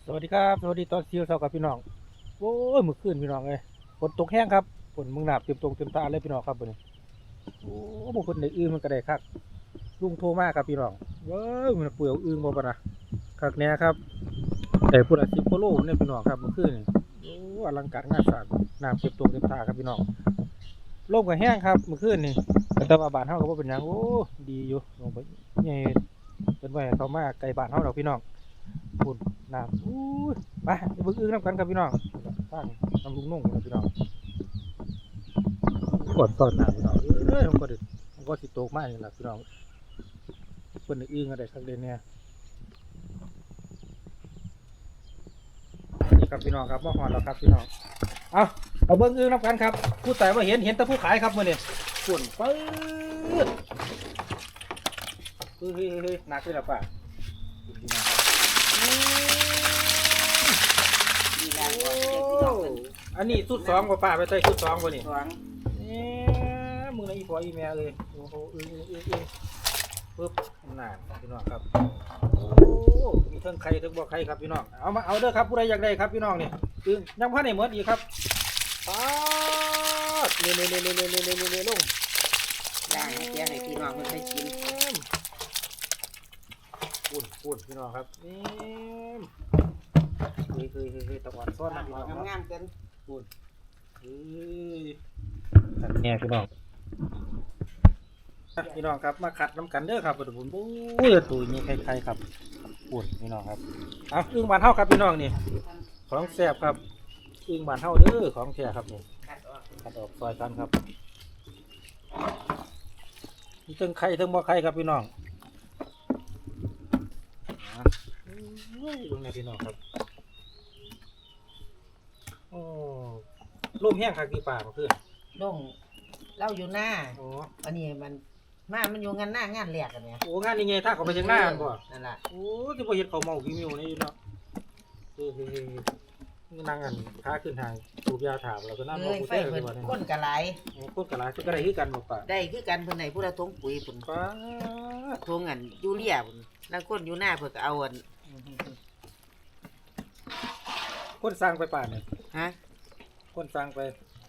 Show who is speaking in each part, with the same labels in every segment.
Speaker 1: สวัสดีครับสวัสดีตอนเช้ากับพี่น้องโอ้ยมื้อคืนพี่น้องเลยฝนตกแห้งครับฝนมึงหนาบเต็มตรงเต็มตาเลยพี่น้องครับวันนี้โอ้บ่คนได้อื่นมันก็ได้คักลุงโทรมาครับพี่น้องเว้ยมันเปลือยอึ่งบ่ปะนะคักแน่ครับแต่พุ่น10กิโลเนี่ยพี่น้องครับมื้อคืนนี่โอ้อลังการงานสร้างน้ำเต็มตรงเต็มตาครับพี่น้องลมก็แห้งครับมื้อคืนนี่แต่ว่าบ้านเฮาก็บ่เป็นหยังโอ้ดีอยู่ลงไปใหญ่เป็นไว้ให้เขามาไกลบ้านเฮาดอกพี่น้องพุ่นน้ำอู้ยไปเบิ่งอึ่งนำกันครับพี่น้องสร้างน้ำลุงนุ่งครับพี่น้องกดตอนน้ำพี่น้องมันก็สิโตกมากนี่ล่ะพี่น้องเพิ่นได้อึ่งอะไรคักเด่นเนี่ยนี่ครับพี่น้องครับมาฮอดแล้วครับพี่น้องเอาเบิ่งอึ่งนำกันครับผู้แต่ว่าเห็นแต่ผู้ขายครับมื้อนี้พุ่นปึ๊ดเฮ้ยหนักเลยล่ะป้าพี่น้องครับอันนี้สุดสองป่ะป้าไปใส่สุดสองป่ะนี่สองมึงนะอีพออีแม่เลยโอ้โหปึ๊บนานพี่น้องครับโอ้มีทั้งไข่ทั้งบ่ไข่ครับพี่น้องเอามาเอาเด้อครับผู้ใดอยากได้ครับพี่น้องนี่คือยังพันในเมืออีกครับป๊าดเร็วลง
Speaker 2: ย่างให้เตี้ยให้พี่น้องเพิ่นได้กิน
Speaker 1: ปุ่นพี่น้องครับนี่เคยตะวันซ้อนนะพี่น้อง
Speaker 2: งามๆกัน
Speaker 1: ปุ่นเนี่ยพี่น้องครับมาขัดน้ำกันเด้อครับผมโอ้ยตัวนี้ใครครับปุ่นพี่น้องครับเอาอึ่งบานเท่าครับพี่น้องนี่ของแซ่บครับอึ่งบานเท่าเด้อของแท้ครับนี่ขัดออกซอยกันครับมีทั้งไข่ทั้งบ่ไข่ครับพี่น้องลงในพี่น้องครับโอ้ร่มแห้งคักที่ป่าเมื่อคืน
Speaker 2: ลงเล่าอยู่หน้า
Speaker 1: โอ้
Speaker 2: อันนี้มันอยู่งานหน้างานแรกกันเนี่ย
Speaker 1: โอ้งานนี่ไงถ้าเขาไปเชียงหน้ากันบ่
Speaker 2: นั่นล่ะ
Speaker 1: โอ้ที่บ่เห็นเขาเมาพี่มิวนี่เนาะนั่งกันค้าขึ้นทางสูบยาถามแล้วก็นั่งมองผู้เต้เลยว่าเนี่ย
Speaker 2: คนกะหลาย
Speaker 1: คนกะหลายก็ได้คือกันบ่ป่า
Speaker 2: ได้คือกันเพิ่นให้ผู้ละทงปุ๋ยพุ่น
Speaker 1: ป้า
Speaker 2: ทงอันยูเรียพุ่นแล้วคนอยู่หน้าเพิ่นก็เอาอัน
Speaker 1: คนสร้างไปป่าเนี่ย
Speaker 2: ฮะ
Speaker 1: คนสร้างไป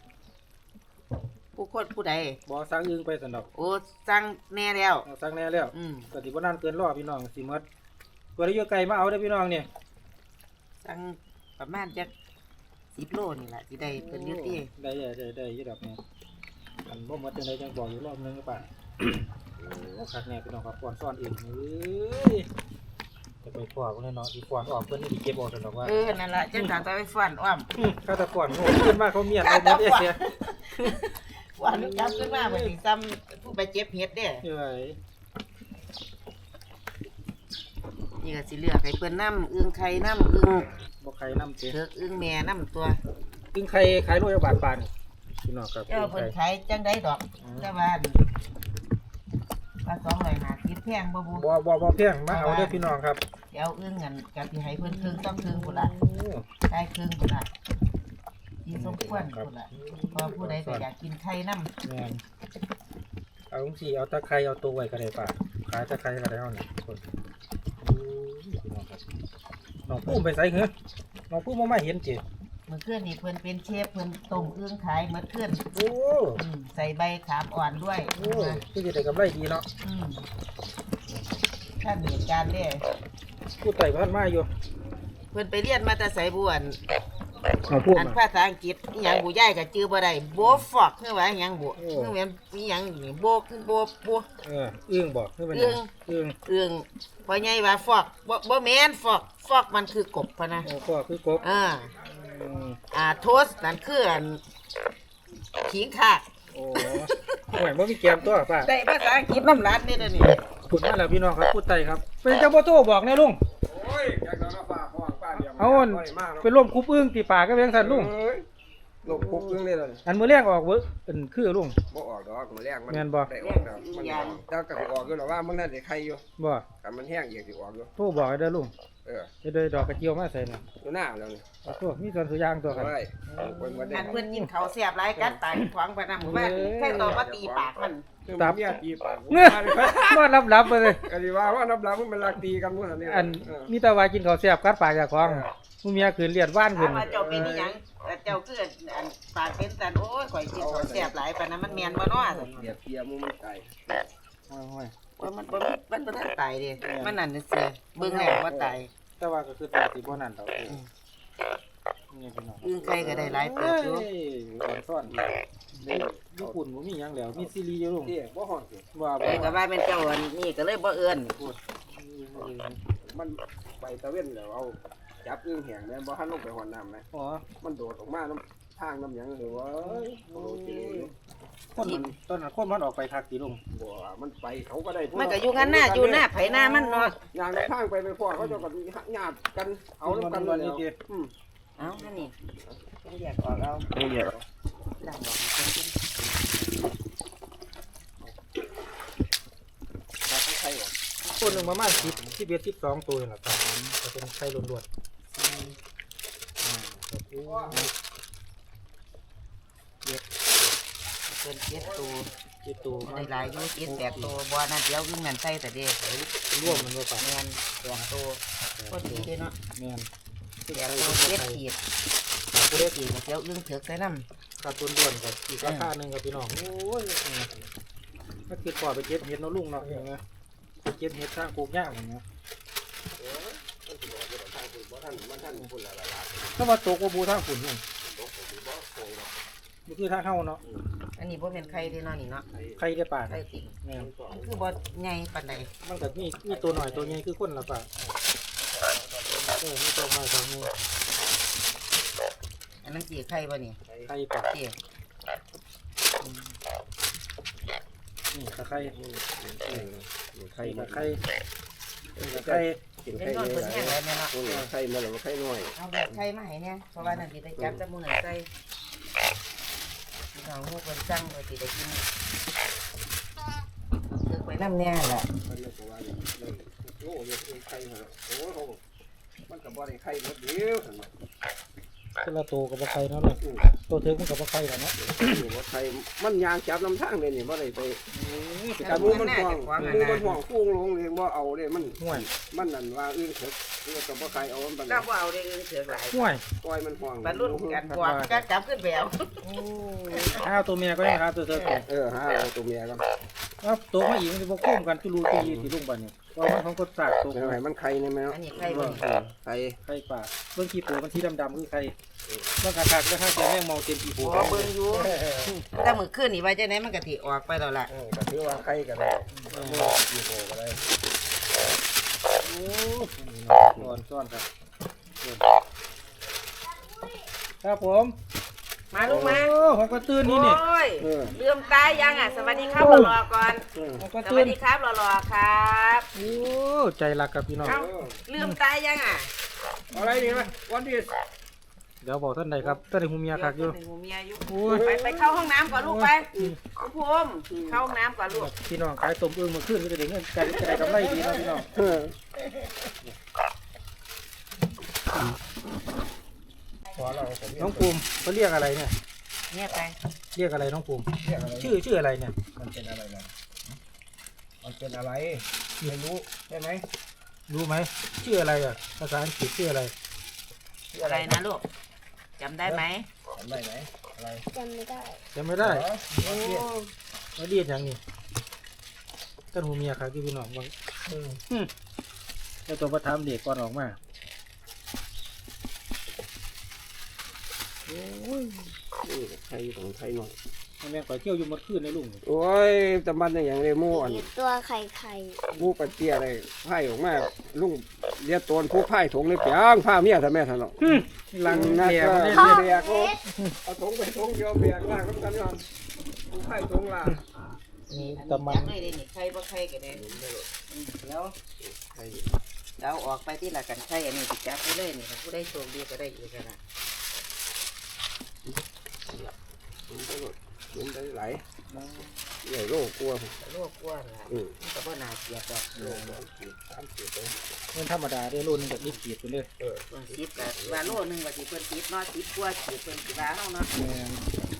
Speaker 2: ผู้ใด
Speaker 1: บ่สร้างอึ่งไปซั่นดอก
Speaker 2: โอ้สั่งแน่แล้ว
Speaker 1: สร้างแน่แล้วก็สิบ่นานเกินรอพี่น้องสิหมดตัวได้อยู่ไกลมาเอาเด้อพี่น้องเนี่ย
Speaker 2: สั่งประมาณจัก10 โลนี่แหละสิได้เพิ่นอยู่ติ
Speaker 1: ได้อยู่ดอกเนี่ยอันบ่หมดจังได๋จังบอกอยู่รอบนึงก็ป่าโอ้คักแน่พี่น้องครับก่อนซ่อนเองเอ้ยจะไปฟ้อนเนาะสิฟ้อนออกเพิ่นนี่สิเก็บออกซั่นดอกว่า
Speaker 2: นั่นล่ะจังถ้าไปฟ้อนอ้อม
Speaker 1: ก็ตะฟ้อนโง่ขึ้นมาเขาเมียนเอาหมดเสีย
Speaker 2: วันนี้จับขึ้นมาเป็นซ้ำผู้ไปเจ็บเห็ดเด้นี่ก็สิเลือกให้เพิ่นน้ำอึ่งไข่น้ำอึ่ง
Speaker 1: บ่ไข่น้ำเ
Speaker 2: ถิกอึ่งแม่น้ำตัว
Speaker 1: อึ่งไข่ขายโลละบาทปานพี่น้องครับ
Speaker 2: เพิ่นขายจังได้ดอกแต่ว่า250แพงบ่
Speaker 1: แพงมาเอาเด้อพี่น้องครับ
Speaker 2: เดี๋ยวอึ่งกันก็สิให้เพิ่นครึ่งต้องครึ่งพุ่นล่ะได้ครึ่งพุ่นล่ะที่สมควรพุ่นล่ะพอผู้ใดก็อยากกินไข่น้ำ
Speaker 1: แม่นเอาจังซี่เอาตะไคร้เอาตัวไว้ก็ได้ป่ะขายตะไคร้ก็ได้เฮานี่คนพี่น้องครับน้องปุ้มไปไสเหรอน้องปุ้มบ่มาเห็นจิ
Speaker 2: เมื่อคืนนี่เพิ่นเป็นเชฟเพิ่นต้มอึ่งขายเมื่อคืน
Speaker 1: โอ้
Speaker 2: ใส่ใบขามอ่อนด้วย
Speaker 1: โอ้คือสิได้กำไรดีเนาะ
Speaker 2: ท่านเหตุการณ์เด้
Speaker 1: ผู้ไต่บ้านมาอยู่
Speaker 2: เพิ่นไปเรียนมาแต่ไสบ่อันภาษาอังกฤษอีหยังบ่ย้ายก็จื้อบ่ได้โบฟอกคือว่าอีหยังบ่คือแม่นอีหยังนี่โบคือโบ
Speaker 1: อึ้งบ่คือเป็น
Speaker 2: อึ้งพ่อใหญ่ว่าฟอกบ่แม่นฟอกมันคือกบพะนะ
Speaker 1: ฟอกคือกบ
Speaker 2: โทสนั่นคืออันขิงคาก
Speaker 1: โอ้ห่วยบ่มีแกมตัวป้า
Speaker 2: ได้ภาษาอังกฤษน้ำรัดนี่เด้อนี่
Speaker 1: พูดมาแล้วพี่น้องครับพูดไต่ครับเป็นเจ้าบ่โตบอกแน่ลุง
Speaker 3: โอ้ยอยากนอนฟ้าห้องป้าเดียว
Speaker 1: เอาเป็นร่วมคุบอึ้งตีป่าก็เป็นสั่นลุง
Speaker 3: ลงคุบอึ้งเลยเลย
Speaker 1: อันมื้อแรกออกเว้อเป็นคือลุง
Speaker 3: บ่ออกดอกมื้อแรกมัน
Speaker 1: แม่นบ่
Speaker 3: ได้ออกแล้วมันแต่ก็ออกอยู่แล้วว่ามันนั่นได้ไข่อยู่
Speaker 1: บ่
Speaker 3: กันมันแห้งอีกสิออกอยู่
Speaker 1: โทรบอกให้เด้อลุงจะได้ดอกกระเจียวมาใส่น่ะ
Speaker 3: อยู่หน้าแล้วนี่
Speaker 1: โทษมีส่วนสุยางตัวกัน
Speaker 2: เพิ่นกินข้าวแซ่บหลายกัดตายขวางไปนำหมู่บ้านแค่ต่อมาตีปากมัน
Speaker 3: ตับตีปาก
Speaker 1: บ่รับๆไปเลย
Speaker 3: ก็สิว่ารับมันเป็นลักตีกันหมดอันนี้
Speaker 1: อันมีแต่ว่ากินข้าวแซ่บกัดปากเจ้าของผู้เมียคืนเลียดว่าน
Speaker 2: ถา
Speaker 1: ขึ้
Speaker 2: ม
Speaker 1: น
Speaker 2: ว่าเจ้าเป็นอีหยังเจ้าคืออันปากเป็นสันโอ้ยข่อยกินของแซ่บหลายปานนั้นมันแม่นบ่เนาะ
Speaker 3: เดียบเทียมูมันไก่
Speaker 1: โอ้ย
Speaker 2: ว่ามันบ่ทันตายเด้มันนั่นซื่อเบิ่งแล้วว่าตาย
Speaker 1: แต่ว่าก็คือตัวสิบ่นั่นดอกนี่พี่น้อง
Speaker 2: อึ้งไก่ก็ได้หลายเติบอยู่
Speaker 1: อ่อนซ่อนญี่ปุ่นบ่มีหยังแล้วมีซีรีส์อยู่ลุง
Speaker 3: ที่บ่ฮ้อนสิ
Speaker 1: ว่า
Speaker 2: เอ้ยก็ว่าเป็นเจ้าอันนี้ก็เลยบ่เอิ้น
Speaker 3: มันไปตะเว้นแล้วเอาจับอึ้งแห้งแม่นบ่ทันลงไปหอนน้ำไหม
Speaker 1: อ๋อ
Speaker 3: มันโดดออกมาน้ำทางน้ำหยังเลยว่าโอ้ย
Speaker 1: คนมันตอนนั้นคนมันออกไปคักสิลุง
Speaker 3: บ่มันไปเขาก็ได้
Speaker 2: มันก็อยู่กันหน้าอยู่หน้าไผหน้ามันเนาะ
Speaker 3: ย่างในทางไปพ่อเขาเจะกันญาติกันเอาน้ำกันเลยแล้วอืม
Speaker 2: เอ้านั่นนี่ต้องแยกออกเอา
Speaker 3: เดี๋ยว
Speaker 2: ล้างออกให้เพิ่นกิน
Speaker 3: ถ้าเขาใครออก
Speaker 1: คนหนึงประมาณ10 11 12ตัวนี่ล่ะครับก็เป็นไข่ล้วนๆ
Speaker 2: เพิ่นเก็บตัว
Speaker 1: กี่ตัวมั
Speaker 2: ได้
Speaker 1: น
Speaker 2: หลายอยู่เก็บแปดตัวบ่นั่นเดี๋ยวอึ้งนั่นใส่แต่เด้
Speaker 1: ร่วมมันบ่ปะ
Speaker 2: แม่นแปดตัวพอดีเด้เนาะ
Speaker 1: แม่น
Speaker 2: แปดตัวเก็บขีด
Speaker 1: ผู้เล็กอีก
Speaker 2: เดี๋ยวอึ้งเถือกใส่น้ำ
Speaker 1: ขาดทุนด่วนกับอีกราคาหนึงครับพี่น้องโอ้ยถ้าคิดพอไปเก็บเห็ดเนาะลุงเนาะอย่างเงี้ยไปเก็บเห็ดสร้างโกกย่างอย่างเงี้ยถ้าว่าตกว่าบูทางฝุ่นนี่มันคือทางเข้าเนาะ
Speaker 2: อันนี้บ่เป็นไข่เด้เนาะนี่เนาะ
Speaker 1: ใครได้ป่า
Speaker 2: ไข่ติ่ง
Speaker 1: แม่น
Speaker 2: มันคือบ่ใหญ่ปานใด
Speaker 1: มันก็มีตัวหน่อยตัวใหญ่คือคนละป่ามีตัวน้อยตัวใหญ่
Speaker 2: อันนั้นสิไข่บ่นี่
Speaker 1: ใครป่า
Speaker 2: เตี้ย
Speaker 1: นี่ตะไคร้
Speaker 3: ไข่
Speaker 1: ตะไคร้ตะไคร้
Speaker 3: กิน
Speaker 2: เป็น
Speaker 3: ไข่
Speaker 2: นอนเพิ่นแห้งแล้วแม่เนาะ
Speaker 3: ไข่มาแล้วไข่น้อย
Speaker 2: เอาแบบไข่มาให้เนี่ยเพราะว่านั่นสิได้จับจมูกนั่นใส่พี่น้องฮู้เพิ่นสั่งว่าสิได้กินตึกไว้นำแน่แหละ
Speaker 3: มันเลยว่าโอ้ยไข่มาโอ้โหมันก็บ่ได้ไข่หมดเดียวซั่น
Speaker 1: คนละตัวกับปลาไข่เนาะเลยตัวเทิงมันกับปลาไข่แล้วเนาะ
Speaker 3: บ่ไข่มันยางจับน้ำทางเลยนี่บ่ได้ไป
Speaker 2: แต่
Speaker 3: แต่
Speaker 2: มู
Speaker 3: มู
Speaker 2: มั
Speaker 3: มัน น
Speaker 2: ห่
Speaker 3: ห่
Speaker 2: ว
Speaker 3: ว
Speaker 2: ง
Speaker 3: งมูมันห่วงฟุ้งลงเลยบ่เอาเลยมัน
Speaker 1: ห่วย
Speaker 3: มันนั่นว่าอื่นเถิดแล้วก็บ่ใครเอามัน
Speaker 2: เราบ่เอาได้อึ้งเถือกหลาย
Speaker 1: ห่วย
Speaker 3: ปล่อยมันห่วง
Speaker 2: บรรลุกันกว่าก็จับขึ้นไปเอา
Speaker 1: ข้าวตัวเมียก็ได้ครับตัวเทิง
Speaker 3: หาเอาตัวเมียกัน
Speaker 1: แล้วตัวมาอีกมันจะบกคุ้มกันจุลูตีสีลุงบันเนี่ยว่ามันของกดสากตัว
Speaker 3: ให้มันไข่นี่แม่
Speaker 2: อันนี้ไข่บ่นี่
Speaker 3: ไข่
Speaker 1: ไข่ป่าเบื้องขี้ปูมันที่ดำๆคือไข่เบื้องขาดๆก็ถ้าเจอแมงเมาเต็มขี้ปู
Speaker 2: บ่เบิ่งอยู่แต่มื้อคืนนี่ว่าจังได๋มันก็สิออกไปแล้วล่ะ
Speaker 3: ก็ถือว่าไข่ก็ได้กี่โตก็ได้
Speaker 1: โอ้ซ่อนซ่อนครับครับผม
Speaker 2: มาลูกมา
Speaker 1: โอ้ผมก็ตื่นนี่นี่
Speaker 2: โอ้ย
Speaker 3: เออ
Speaker 2: ลืมตายยังอ่ะสวัสดีครับรอๆก่อน
Speaker 1: ผมก็
Speaker 2: ส
Speaker 1: ตื่
Speaker 2: วัน สดีครับรอๆครับ
Speaker 1: โอ้ใจรักกับพี่น้อง
Speaker 2: เอ้าลืมตายยังอ่ะ
Speaker 3: อะไรนี่มั้ยวันที่
Speaker 1: เดี๋ยวบอกท่านใดครับท่านใดหูเมียคักอยู่
Speaker 2: เดี๋วหนูเมียอยู่
Speaker 1: โอ้ย
Speaker 2: ไปเข้าห้องน้ำก่อนลูกไปคุณภูมิเข้าห้องน้ำก่อนลูก
Speaker 1: พี่น้องขายต้มอึ่งมาขึ้นก็จะได้เงินกันจะได้กำไรดีเนาะพี่น้อง
Speaker 3: เออ
Speaker 1: น้องภูมิเขาเรียกอะไรเนี่ย
Speaker 2: เนี่ยไป
Speaker 1: เรียกอะไรน้องภูมิชื่ออะไรเนี่ย
Speaker 3: มันเป็นอะไรนะมันเป็นอะไรไม่รู้ใช่ไหม
Speaker 1: รู้ไหมชื่ออะไรอ่ะภาษาอังกฤษชื่ออะไร
Speaker 2: อะไรนะลูกจำได้ไหม
Speaker 3: จำได้ไหมอะไร
Speaker 1: จำไม่ได้เขาเรียกอย่างนี้ท่านหูเมียครับพี่น้องบางแล้วตัวประทับเด็กก่อนออกมา
Speaker 3: ไข่ของไข่หน่อย
Speaker 1: แม่งก่อยเที่ยวอยู่หมดคืนในลุง
Speaker 3: โอ้ยแต่มันอย่างเรมูอัน
Speaker 4: ตัวไข่
Speaker 3: มูปเตี้ยอะไรไผ่ออกมาลุงเรียกตนผู้ไผ่ถงเลยเปียงผ้าเมียทำแม่ทะเลาะ
Speaker 1: ลัง
Speaker 3: นัก
Speaker 1: แก่
Speaker 3: ก็
Speaker 1: มาได้
Speaker 3: เบียกเอาถงไปถงเดียวเบียกล่างกันย้อนผู้ไผ่ถงล่าง
Speaker 1: นี่
Speaker 2: อัน
Speaker 1: ตะ
Speaker 2: นี้
Speaker 1: มัน
Speaker 2: จำได้เลยนี่ใครบ่ใครกันเลยแล้วเราออกไปที่หลักกันใครอันนี้ติดจับไปเลยนี่ผู้ได้โชคดีก็ได้อีกนะ
Speaker 3: มันได้ไหลใหญ่โลกกลัว
Speaker 2: โลกกว้างละมันก็บ่น่าเกลียดดอก
Speaker 3: โลก3-4ตัว
Speaker 1: เงินธรรมดาได้รุ่นแบบนี้ขีดไปเลย
Speaker 2: เพิ่นสิบก็ว่าโลนึงว่าสิเพิ่นสิบเนาะ10กว่าสิเพิ่นสิว่าเฮาเนาะ
Speaker 1: แม่น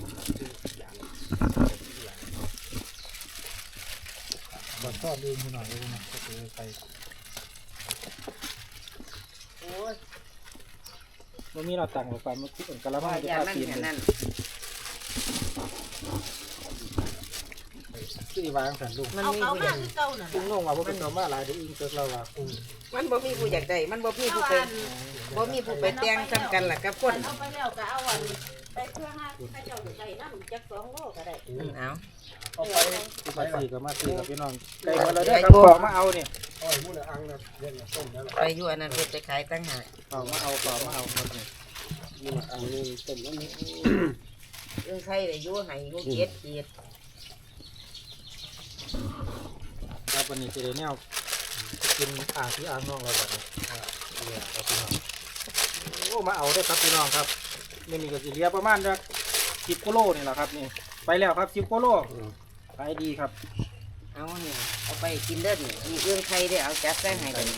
Speaker 1: บัดชอบดูหน่อยเลยนะก็คือไป
Speaker 2: โอ้ย
Speaker 1: บ่มีเราตังค์หรอกป่ะมันคือกันกะละมั
Speaker 2: ว่าง
Speaker 1: จะ
Speaker 2: ยา
Speaker 1: พา
Speaker 2: มัน
Speaker 1: ปีน
Speaker 2: แค่นั้น
Speaker 1: คือวางสันลุง
Speaker 2: มัน
Speaker 4: เอา
Speaker 2: มี
Speaker 4: เขา
Speaker 2: ผู้อาก
Speaker 4: มายคือเก่าน่ะ
Speaker 1: ลุงน้องว่าบ่เป็นตัวมาหลายเดี๋ยวอิงเกิดเราว่า
Speaker 2: มันบ่มีผู้อยากได้มันบ่มีผู้ไปบ่มีผู้ไปแต่งซ้ำกันล่ะกับคน
Speaker 4: เอาไปแล้วก็เอาอันไปเพื่อให้เจ้าได้น้ำจัก2 โลก็ได้
Speaker 2: เอา
Speaker 3: เอาไป
Speaker 1: มาซื้อกับมาซื้อกับพี่น้องไก่มาแล้วเด้อครับขอมาเอานี่
Speaker 3: อ้อยมู้ละอังนะเล่นต้มแล้วล่ะ
Speaker 2: ไปอยู่อันนั้นเพิ่นไปขายตั้งหาก
Speaker 1: ขอมาเอาหมดนี่
Speaker 3: มู้ละอังนี่ต้มแล้วนี่
Speaker 2: เรื่องใครได้อยู่ให้อยู่เจ็ดขีด
Speaker 1: ครับวันนี้สิได้แนวกินอ่างที่อ่างน้องเราแบบนี้เนี่ยครับพี่น้องโอ้มาเอาเด้อครับพี่น้องครับนี่มีก็สิเหลือประมาณจัก10กิโลนี่แหละครับนี่ไปแล้วครับ10กิโลขายดีครับ
Speaker 2: เอาเนี่ยเอาไปกินเด้อนี่มีเรื่องใครได้เอาจัดใส่ให้กัน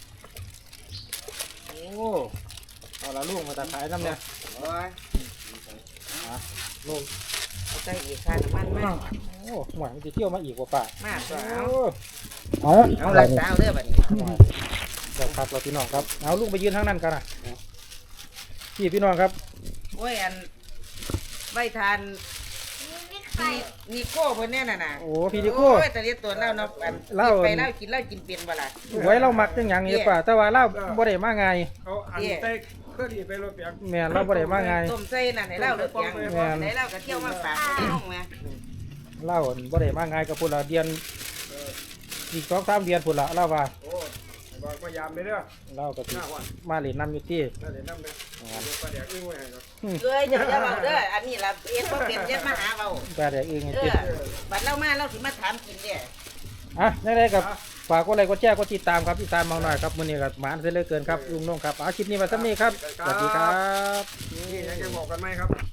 Speaker 1: โอ้เอาละลุงมาตะขายน้ำเนี่ย
Speaker 2: โอ้ย
Speaker 1: ลุง
Speaker 2: เอาใส่อีกค่าน้ำมันมา
Speaker 1: โอ้หวานมันจะเที่ยวมาอีกว่าป่า
Speaker 2: มาก็
Speaker 1: โอ้
Speaker 2: เอาหลักสาวเด้อบัดนี้
Speaker 1: เดี๋ยวครับเราพี่น้องครับเอาลุงไปยืนทางนั้นกันนะพี่น้องครับ
Speaker 2: โอ้ยอันไว้ทานมีโก้เพิ่นแน่น่ะน่ะ
Speaker 1: โอ้พี่ดิโก้
Speaker 2: โอ้ยแต่เรียกตัวเล่าเนาะอัน
Speaker 1: เล่า
Speaker 2: ไปเล่ากินเป็นบ่ล่ะ
Speaker 1: ไว้เรามักจังหยังนี่ป่าแต่ว่าเราบ่ได้มาไง
Speaker 3: เอาอันเต้เครื่องดีไปรถเปียก
Speaker 1: แม่นเราบ่ได้มาไง
Speaker 2: ต้มใส่นั่นให้เล่าเด้อเพียง
Speaker 1: แม่น
Speaker 2: ให้เล่าก็เที่ยวมาฝากพี่น้องแม่
Speaker 1: เราบ่ได้มาไงกับพุ่นละเดือนอีก2-3 เดือนพุ่นละเราว่า
Speaker 3: โอ้บอกพยายามเลยเด้อ
Speaker 1: เราก็สิ
Speaker 3: หน้าวัน
Speaker 1: มาเล่นน้ำอยู่ที่
Speaker 3: น่าจะน้ำนะเดี๋ยวปลาแดกอึ้งไว้ให้ครับ
Speaker 2: เอ้ยอย่าเว้าเด้ออันนี้ล่ะเอ็ดบ่เป็นเจ็ดมาหาเว้า
Speaker 1: ปลาแดกเองไง
Speaker 2: เอ
Speaker 1: ติ
Speaker 2: อบัดเรามาเราสิมาถามกินเด้
Speaker 1: อ่ะได้ๆกับฝากกดไลค์กดแชร์กดติดตามครับติดตามมาหน่อยครับมื้อนี้ก็หมานเสียเหลือเกินครับลุงน้องครับเอาคลิปนี้มาซ้ำนี้ครับสวัสดีครับ
Speaker 3: นี่ยังจะบอกกันไหมครับ